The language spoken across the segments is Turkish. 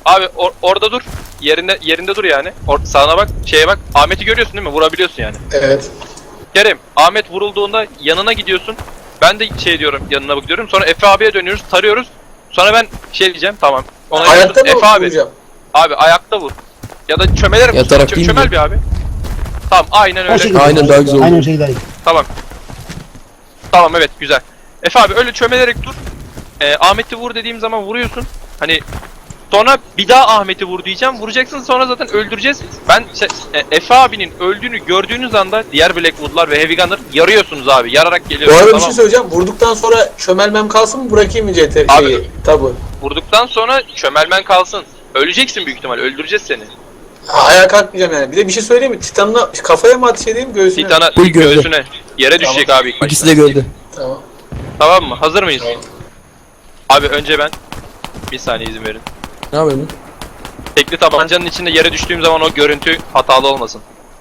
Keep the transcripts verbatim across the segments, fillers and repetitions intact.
Abi or- orada dur. Yerinde yerinde dur yani. Or- sağına bak, şeye bak. Ahmet'i görüyorsun değil mi? Vurabiliyorsun yani. Evet. Kerem, Ahmet vurulduğunda yanına gidiyorsun. Ben de şey diyorum, yanına bakıyorum. Sonra Efe abiye dönüyoruz, tarıyoruz. Sonra ben şey diyeceğim, tamam. Ona Ayakta mı Efe abi. vuracağım? Abi ayakta vur. Ya da çömelerek vur. Yatarak Çö- değil mi? çömel bir abi. Tamam, aynen O öyle. şekilde. Aynen, daha güzel oldu. Aynen şey daha iyi. Tamam. Tamam, evet, güzel. Efe abi öyle çömelerek dur. Ee, Ahmet'i vur dediğim zaman vuruyorsun. Hani sonra bir daha Ahmet'i vur diyeceğim. Vuracaksın, sonra zaten öldüreceğiz. Ben şey, e, Efe abinin öldüğünü gördüğünüz anda diğer Blackwood'lar ve Heavy Gunner yarıyorsunuz abi. Yararak Bu geliyorsunuz, arada bir tamam şey söyleyeceğim. Vurduktan sonra çömelmem kalsın mı, bırakayım mı C T Abi. şeyi? Tabu. Vurduktan sonra çömelmen kalsın. Öleceksin büyük ihtimal. Öldüreceğiz seni. Ha, ayağa kalkmayacağım yani. Bir de bir şey söyleyeyim mi? Titan'la kafaya mı ateş edeyim, göğsüne mi? Titan'a Bu gövde. göğsüne. Yere düşecek abi ilk başta. İkisi de gördü. Tamam. Tamam mı? Hazır mıyız? Abi önce ben. Bir saniye izin verin. Ne yapıyorsun? Tekli tabancanın içinde yere düştüğüm zaman o görüntü hatalı olmasın.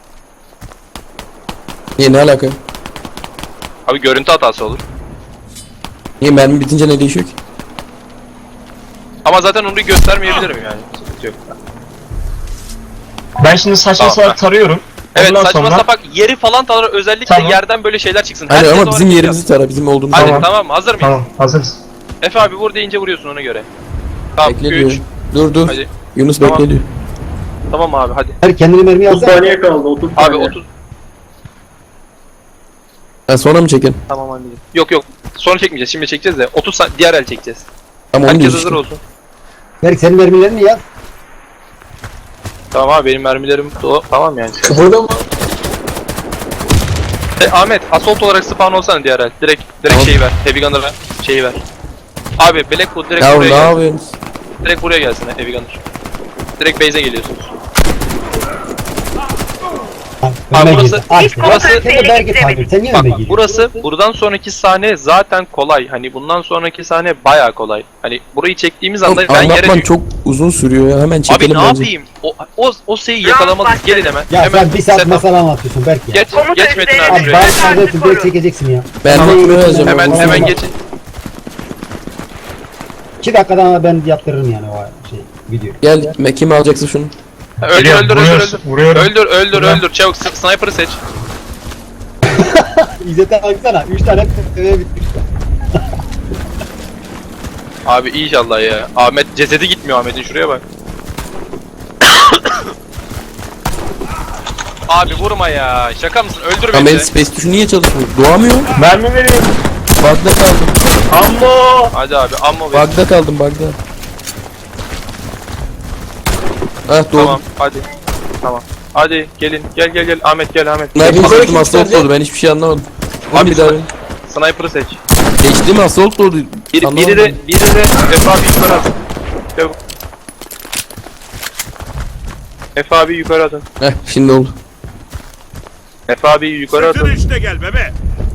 Niye, ne alaka? Abi görüntü hatası olur. Niye, mermi bitince ne değişiyor ki? Ama zaten onu göstermeyebilirim yani. Sıkıntı yok. Ben şimdi saçma Tamam. salak tarıyorum. Evet, Ondan saçma sonra... sapak yeri falan tarar, özellikle Tamam. yerden böyle şeyler çıksın. Hani Herkes ama o bizim hareketi yerimizi tara, bizim olduğumuz yap. Hadi yer. Tamam. tamam mı? Hazır mıyız? Tamam, hazırız. Efe abi vur deyince vuruyorsun ona göre. Tamam, Bekle diyor. üç. Dur dur. Hadi. Yunus Tamam. bekle diyor. Tamam abi hadi. Her kendini mermi otuz yazsa. saniye kaldı. otuz Abi saniye. otuz. Ha, sonra mı çekelim? Tamam anneciğim. Yok yok. Sonra çekmeyeceğiz. Şimdi çekeceğiz de otuz saniye diğer el çekeceğiz. Tamam, onu Herkes diyoruz hazır işte. olsun. Berk senin mermilerini yaz. Tamam abi benim mermilerim dolu. Tamam yani. Kıpırdama. E, Ahmet assault olarak spawn olsana diğer el. Direkt direkt Tamam. şeyi ver. Heavy Gunner'a şeyi ver. Abi Blackwood direkt Ya buraya ne gelsin. yapıyorsunuz? Direkt buraya gelsin Heavy Gunner. Direkt base'e geliyorsunuz. Ha, önüme burası- girdi. Ay, burası- Sen de Berk'i takip et. Sen niye Bak önüme girdin? burası buradan sonraki sahne zaten kolay. Hani bundan sonraki sahne bayağı kolay. Hani burayı çektiğimiz anda Oğlum, ben yere anlatman düş- çok uzun sürüyor ya, hemen Abi çekelim ne bence. yapayım? O o o şeyi yakalamalıyız. Gelin hemen. Ya hemen sen bir saat setup. masal anlatıyorsun Berk ya. Geç geç Metin abi Abi şuraya. bari kardeşim Berk çekeceksin ya. Ben Tamam. anlatmaya yazacağım. Hemen Allah'ım. hemen geçin. İki dakikadan ben yaptırırım yani o şey video. Gel, me- kimi alacaksın şunu? Öldür Geliyorum, öldür öldür vuruyoruz, öldür. vuruyorum. Öldür öldür Vuruyorum. öldür. Çabuk s- sniper'ı seç. İzzet'e baksana. Üç tane eve bitmiş. Abi inşallah ya. Ahmet cesedi gitmiyor Ahmet'in, şuraya bak. Abi vurma ya. Şaka mısın? Öldür Ama beni. benim de. space tuşu niye çalışmıyor? Doğamıyor. Mermi verin. Bug'da kaldım. Ammo. Hadi abi ammo ver. Bug'da kaldım, bug'da. Ah, doğru. Tamam hadi. Tamam. Hadi gelin. Gel gel gel. Ahmet gel Ahmet. Sniper Yukarı seçtim, kim assault çıkaracak? oldu, ben hiçbir şey anlamadım. Abi Abi bir daha. sni- sniper'ı seç. Seçtim, assault oldu. Biri, Anlamadım. biri de biri de Efe abi yukarı atın. Çabuk. Efe abi yukarı atın. Heh, şimdi oldu. Efe abi yukarı Sırtın atın. işte gel bebe.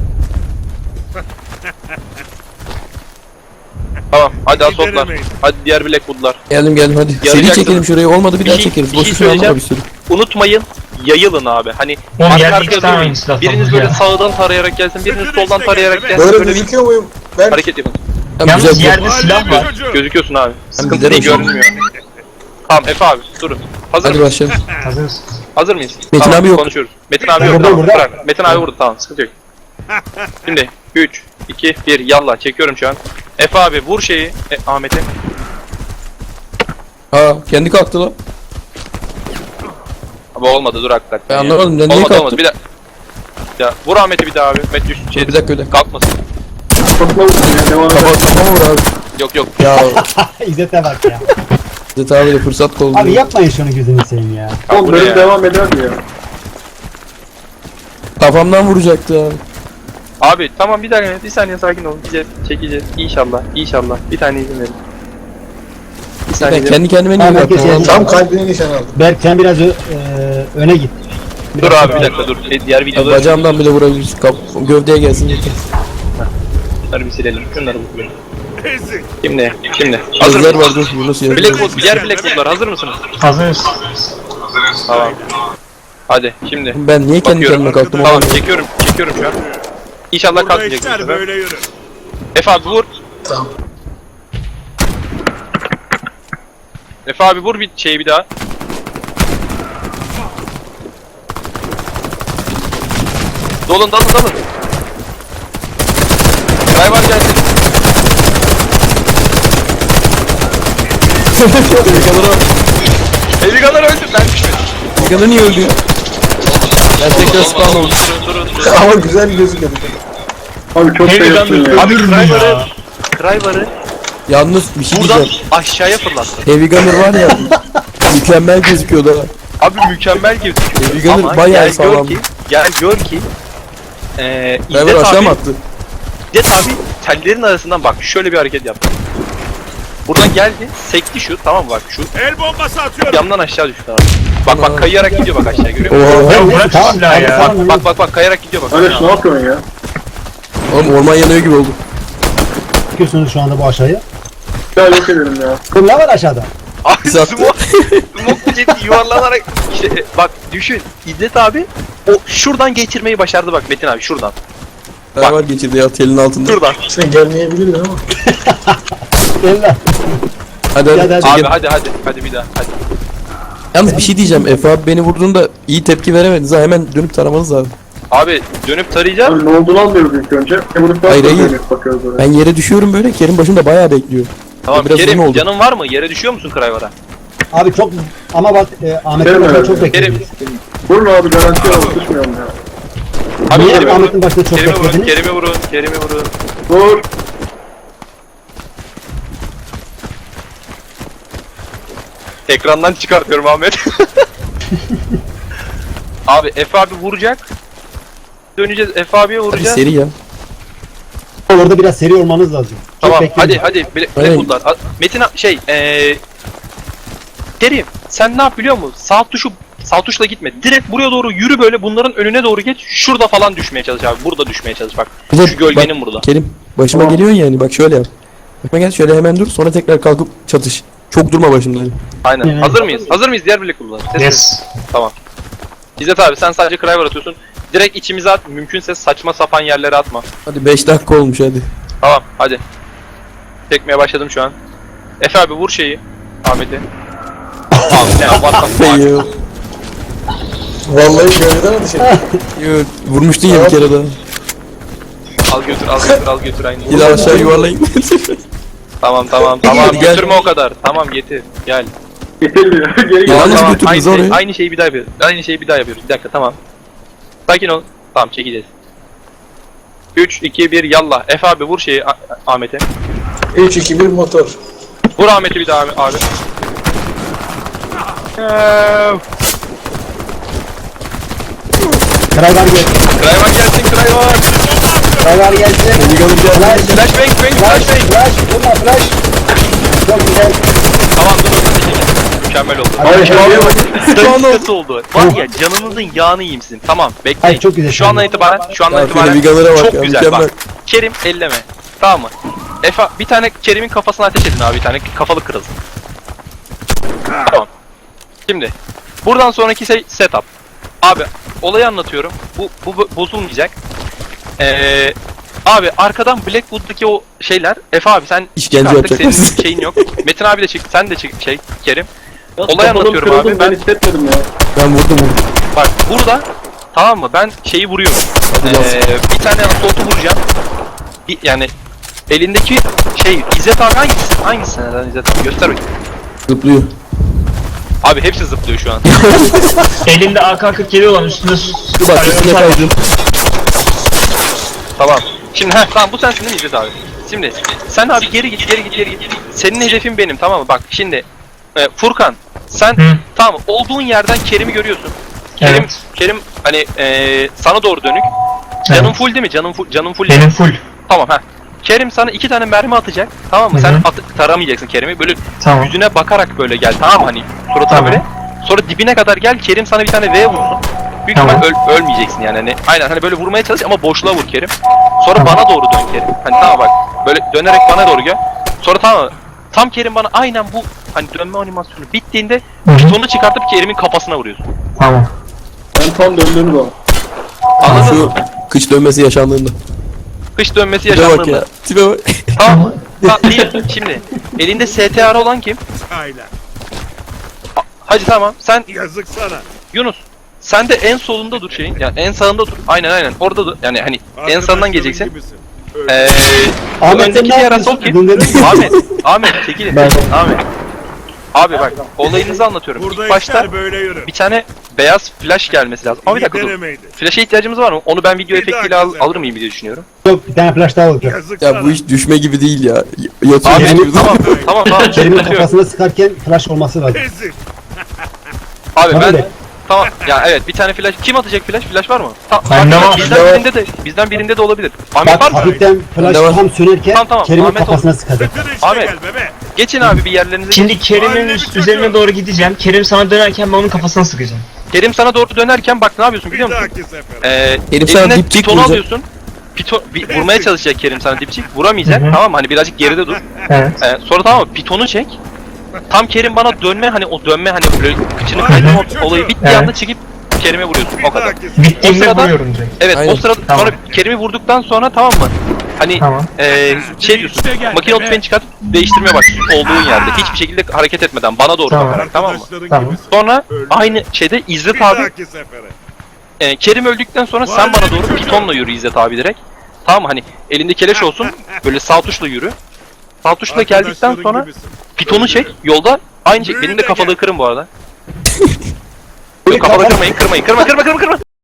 Tamam. Hadi assaultlar. Gideremeyin. Hadi diğer Blackwood'lar. Geldim geldim hadi. Seri Yarayacaksın. çekelim şurayı, olmadı bir, Bir daha şey- çekeriz. bir Boş şey üstüne anlama bir söyleyeceğim. sürü. Unutmayın. Yayılın abi. Hani Oğlum arka yerde arkaya iki tane durmayın. aynı silah Biriniz var böyle ya. sağdan tarayarak gelsin, biriniz Sırtın soldan işte tarayarak gel, gelsin. Böyle Böyle bir gözüküyor muyum? Ben hareket yapın. Tamam, Yalnız güzel güzel. yerde silah var. Çocuğu. Gözüküyorsun abi. Sıkıntı giderim değil, şimdi. görünmüyor. Tamam Efe abi durun. Hazır Hadi mısın? başlayalım. Hazırız. Hazır mıyız? Metin Tamam, abi yok. Konuşuyoruz. Metin abi Ben yok. buradayım, Tamam, burada. bırak. Metin abi burada, tamam, sıkıntı yok. Şimdi üç, iki, bir, yallah çekiyorum şu an. Efe abi vur şeyi e, Ahmet'e. Ha, kendi kalktı lan. Abi olmadı, dur hakikaten. Ben ya. anlamadım, ben niye Olmadı kalktım? olmadı bir daha. Ya vur Ahmet'i bir daha abi. Met düş şey. Bir dakika, bir dakika. Kalkmasın. Topla vursun ya. Devam Kafa, et. kafama vur abi. Yok yok. Ya, İzzet'e bak ya. Zet abiyle fırsat koldu. Abi yapmayın şunu gözünü seveyim ya. Oğlum bu ne bölüm ya? devam eder mi ya? Kafamdan vuracaktı abi. Abi tamam bir dakika, bir saniye sakin olun. Gideceğiz, çekeceğiz. İnşallah, inşallah. Bir tane izin verin. Bir saniye Ben izin- kendi kendime niye Tamam, yaptım? herkes Allah'ım. tam kalbine nişan aldım. Berk sen biraz ö- e, öne git. Dur abi bir dakika dur. Şey, diğer Ya, videoları bacağımdan bile vurabiliriz. Kap gövdeye gelsin yeter. şunları bir silelim. Şunları bir silelim. Ezik. Şimdi, şimdi. Hazır Gözler mısınız? var, dur Yunus ya. Blackwood, diğer Blackwood'lar hazır mısınız? Hazırız. Tamam. Hadi şimdi. Ben niye kendi Bakıyorum. kendime kalktım? Tamam Tamam. çekiyorum, çekiyorum şu an. İnşallah Burada kalkmayacak bu işler sefer. böyle yürür. Efe abi vur. Tamam. Efe abi vur bir şeyi bir daha. Dolun dalın dalın. Driver gelsin. Heavy Eligalar öldü ben düşmedim. Gunner niye öldü ya? Ben tekrar spawn oldum. Durun durun durun. Ama güzel gözüküyor. Abi çok şey yaptın ya. Abi Driver'ı Driver'ı Yalnız bir şey buradan diyeceğim. aşağıya fırlattı. Heavy Gunner var ya. Mükemmel gözüküyordu ha. Abi mükemmel gözüküyor. Heavy Gunner Ama bayağı gel sağlam. gör ki, gel gör ki eee Driver İzzet aşağı abi, mı attı? İzzet abi tellerin arasından bak şöyle bir hareket yaptı. Buradan geldi, sekti şu, tamam mı bak şu. El bombası atıyorum. Camdan aşağı düştü abi. Bak Ana. bak kayarak gidiyor bak aşağı görüyor musun? Oha. Ya bırak Tamam, şu silahı tamam, ya. tamam. Bak bak bak bak kayarak gidiyor bak. Kardeş ne yapıyorsun ya? Oğlum orman yanıyor gibi oldu. Çıkıyorsunuz şu anda bu aşağıya. Ya yok ederim ya. Kul ne var aşağıda? Abi Zaten- smoke, smoke jet yuvarlanarak işte bak düşün İzzet abi o şuradan geçirmeyi başardı bak Metin abi şuradan. Driver geçirdi ya telin altında. Şuradan. Sen gelmeyebilirdin ama. Eller. Hadi hadi. Hadi, hadi. Abi çekin. hadi hadi hadi bir daha hadi. Yalnız bir şey diyeceğim. Efe abi beni vurduğunda iyi tepki veremediniz ha. Hemen dönüp taramanız lazım. Abi dönüp tarayacağız. Abi ne olduğunu anlıyoruz ilk önce. E bunu Hayır, hayır. dönüp bakıyoruz oraya. Ben yere düşüyorum böyle. Kerim başında bayağı bekliyor. Tamam biraz uzun Kerim oldu. canın var mı? Yere düşüyor musun Krayvar'a? Abi çok ama bak e, Ahmet'in Kerim başında öyle. çok Kerim. beklediniz. Vurun abi garanti alıp düşmüyorum ya. Abi Niye Kerim'i Ahmet'in vurun. başında çok Kerim'i vurun. beklediniz? Kerim'i vurun. Kerim'i vurun. Vur. Ekrandan çıkartıyorum Ahmet. Abi Efe abi vuracak. Döneceğiz Efe abiye Hadi vuracağız. seri ya. Orada biraz seri olmanız lazım. Çok Tamam bekleyin. hadi hadi Black, Aynen. Blackwood'lar. A- Metin a- şey eee Kerim sen ne yap biliyor musun? Sağ tuşu sağ tuşla gitme. Direkt buraya doğru yürü böyle bunların önüne doğru geç. Şurada falan düşmeye çalış abi. Burada düşmeye çalış bak. Bir de Şu gölgenin bak, burada. Kerim başıma Tamam. geliyorsun yani. Bak şöyle yap. Bakma gel şöyle hemen dur. Sonra tekrar kalkıp çatış. Çok durma başında. Aynen. Evet. Hazır mıyız? Hazır mıyız diğer Blackwood'lar? Ses- Yes. Tamam. İzzet abi sen sadece Kraver atıyorsun. Direkt içimize at. Mümkünse saçma sapan yerlere atma. Hadi beş dakika olmuş hadi. Tamam hadi. Çekmeye başladım şu an. Efe abi vur şeyi. Ahmet'i. Abi ne what the fuck? Yo, Vallahi gölgeden ateş ettim. yo, vurmuştun ya bir kere daha. Al götür al götür al götür aynı. Bir daha aşağı yuvarlayın. Tamam tamam tamam Gel, gel. götürme o kadar. Tamam getir gel. Getirmiyor. Geri gel. Ya. Yalnız tamam, götürdünüz aynı, oraya. şey, aynı şeyi bir daha yapıyoruz. Aynı şeyi bir daha yapıyoruz. Bir dakika tamam. Sakin ol. Tamam çekeceğiz. üç iki bir yallah. Efe abi vur şeyi A- Ahmet'e. üç iki bir motor. Vur Ahmet'i bir daha abi. abi. Krayvar gel. Krayvar gelsin Krayvar. Krayvar gelsin. Flash. Flash bang bang Flash. flash bang. Flash. Vurma flash. Çok güzel. Tamam dur dur dur. Mükemmel oldu. Hayır Hadi. şuraya bak. Dakikası oldu. Var ya canınızın yağını yiyeyim sizin. Tamam bekleyin. Hayır, çok güzel Şu andan şey. itibaren şu andan Ya itibaren şöyle Vigalara bak çok ya, güzel mükemmel. bak. Kerim elleme. Tamam mı? Efe bir tane Kerim'in kafasına ateş edin abi bir tane kafalı kırılsın. Tamam. Şimdi buradan sonraki şey setup. Abi olayı anlatıyorum. Bu bu, bu bozulmayacak. Ee, abi arkadan Blackwood'daki o şeyler Efe abi sen İşkence artık yapacak senin mısın? şeyin yok. Metin abi de çık sen de çık şey Kerim. Ya, Olay kafalım anlatıyorum kırıldı, abi, Ben ben- hissetmedim ya. Ben vurdum onu. Bak burada tamam mı ben şeyi vuruyorum. Hadi lan. Ee, bir tane assault'u vuracağım. Bir, yani elindeki şey İzzet abi hangisi? Hangisi neden İzzet abi? Göster bakayım. Zıplıyor. Abi hepsi zıplıyor şu an. Elinde A K kırk yedi olan üstünde Dur bak üstüne kaydım. Tamam. Şimdi heh, tamam bu sensin değil mi İzzet abi? Şimdi sen abi geri git geri git geri git. Senin hedefin benim tamam mı? Bak şimdi e, Furkan sen Hı. tamam olduğun yerden Kerim'i görüyorsun. Kerim Evet. Kerim hani e, sana doğru dönük. Canın Evet. full değil mi? Canın full canın full. değil mi? Benim full. Tamam ha. Kerim sana iki tane mermi atacak. Tamam mı? Hı Sen hı. at- taramayacaksın Kerim'i. Böyle Tamam. yüzüne bakarak böyle gel. Tamam mı? Hani suratına Tamam. böyle. Sonra dibine kadar gel. Kerim sana bir tane V vursun. Büyük Tamam. ihtimal öl- ölmeyeceksin yani. Hani aynen hani böyle vurmaya çalış ama boşluğa vur Kerim. Sonra Tamam. bana doğru dön Kerim. Hani tamam bak. Böyle dönerek bana doğru gel. Sonra tamam mı? Tam Kerim bana aynen bu hani dönme animasyonu bittiğinde Hı hı. pitonu çıkartıp Kerim'in kafasına vuruyorsun. Tamam. Ben tam döndüğünü bak. Anladın Şu mı? kıç dönmesi yaşandığında. Kış dönmesi Tipe bak yaşandığında. ya. Tipe bak. Tamam. Tamam değil. Şimdi elinde S T R olan kim? Aynen. Hacı tamam. Sen Yazık sana. Yunus. Sen de en solunda dur şeyin. Yani en sağında dur. Aynen aynen. Orada dur. Yani hani en sağından geleceksin. Gibisin. Eee Ahmet sen öndeki ne diğer yapıyorsun? asol kim? Bunları- Ahmet. Ahmet çekilin. Ben- Ahmet. Abi bak olayınızı anlatıyorum. Burada İlk başta işler böyle yürür. bir tane beyaz flash gelmesi lazım. Ama bir İyi dakika dur. denemeydi. Flash'a ihtiyacımız var mı? Onu ben video Bir efektiyle dahaki al, sefer. alır mıyım diye düşünüyorum. Yok bir tane flash daha olacak. Yazık Ya sana. bu iş düşme gibi değil ya. Y- Yatıyor Abi gibi. tamam tamam tamam. Kerim'in sıkıntı yok. kafasına sıkarken flash olması lazım. Ezil. Abi ben Tabii. tamam ya evet bir tane flash kim atacak flash? Flash var mı? Ta- Bende bak, var. Bizden Bende var. birinde de bizden birinde de olabilir. Ahmet var Bak mı? hafiften flash Bende var. tam sönerken Tamam, tamam. Kerim'in Ahmet kafasına sıkacak. Sakın işte Ahmet. gel bebe. Geçin abi bir yerlerinize. Şimdi Şimdi Kerim'in Mahalle üst- bir üzerine çocuğu. doğru gideceğim. Kerim sana dönerken ben onun kafasına sıkacağım. Kerim sana doğru dönerken bak ne yapıyorsun Bir biliyor musun? dahaki sefer. Ee, Kerim sana eline dipçik pitonu vuracak. alıyorsun. Pito, bir, vurmaya çalışacak Kerim sana dipçik. Vuramayacak Hı hı. tamam mı? Hani birazcık geride dur. Evet. Ee, sonra tamam mı? Pitonu çek. Tam Kerim bana dönme hani o dönme hani böyle kıçını Mahalle kaydırma bir çocuğu. olayı bittiği Evet. anda çekip Kerim'e vuruyorsun. Bir O kadar. dahaki sefer. Bittiğinde O sırada- vuruyorum direkt. Evet Aynen. o sırada Tamam. sonra Kerim'i vurduktan sonra tamam mı? Hani Tamam. ee, şey diyorsun. Makine tüfeğini çıkart değiştirmeye başlıyorsun olduğun yerde. Hiçbir şekilde hareket etmeden bana doğru Tamam. bakarak tamam mı? Arkadaşların Tamam. gibisin. Sonra Öldü. aynı şeyde Bir İzzet abi dahaki sefere. e, Kerim öldükten sonra sen bana doğru pitonla yürü İzzet abi direkt. Tamam mı? Hani elinde keleş olsun böyle sağ tuşla yürü. Sağ tuşla geldikten Arkadaşların sonra gibisin. pitonu çek yolda aynı şey. Benim de kafalığı kırın bu arada. Yok kafalığı kırmayın kırmayın kırma kırma kırma kırma.